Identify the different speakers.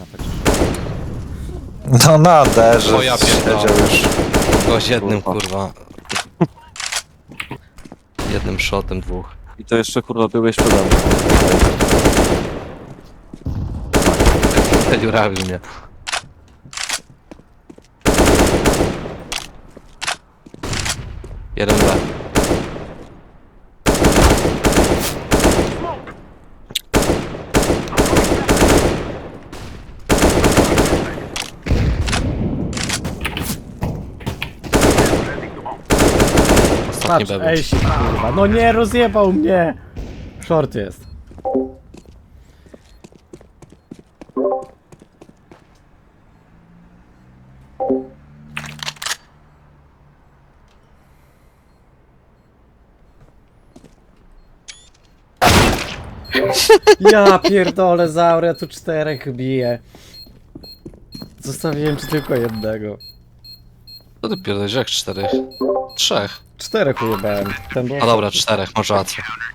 Speaker 1: No na derze
Speaker 2: O ja pierdolę.
Speaker 1: siedział już.
Speaker 2: Gość jednym kurwa. Jednym shotem dwóch.
Speaker 3: I to jeszcze kurwa byłeś przede mną.
Speaker 2: Dziurawił mnie. Jeden B. Ostatni
Speaker 4: Patrz,
Speaker 2: B był.
Speaker 4: ej, kurwa. No nie, rozjebał mnie! Short jest. Ja pierdolę, Zaur, ja tu 4 biję. Zostawiłem ci tylko jednego.
Speaker 2: Co ty pierdolisz, jak 4? 3.
Speaker 4: 4 ujebałem. Ten był...
Speaker 2: No dobra, 4, masz rację.